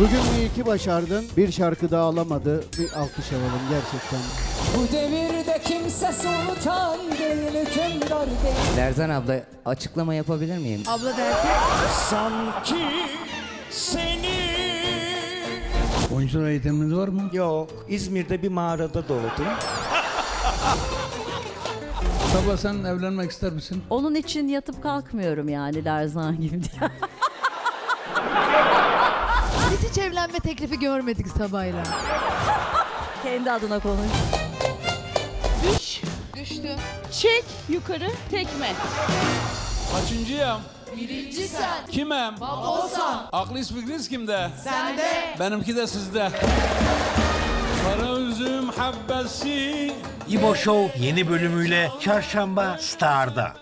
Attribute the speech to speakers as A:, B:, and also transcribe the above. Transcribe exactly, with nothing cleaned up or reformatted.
A: Bugün iyi ki başardın. Bir şarkı daha alamadı. Bir alkış alalım gerçekten.
B: Bu devirde kimse sultan değil, hükümdar değil.
C: Lerzan abla açıklama yapabilir miyim?
D: Abla derken
E: Sanki seni...
F: Oyunculuk eğitiminiz var mı?
E: Yok, İzmir'de bir mağarada doğdum.
F: Sabah sen evlenmek ister misin?
G: Onun için yatıp kalkmıyorum yani Lerzan gibi diye.
D: biz hiç evlenme teklifi görmedik Sabah'yla.
G: Kendi adına konuş.
H: Düş. Düştü. Çek yukarı tekme.
I: Kaçıncıyım?
H: Birinci sen.
I: Kimim?
H: Babosan.
I: Aklınız fikriniz kimde?
H: Sende.
I: Benimki de sizde. Kara üzüm habbesi.
J: İbo Show yeni bölümüyle Çarşamba Star'da.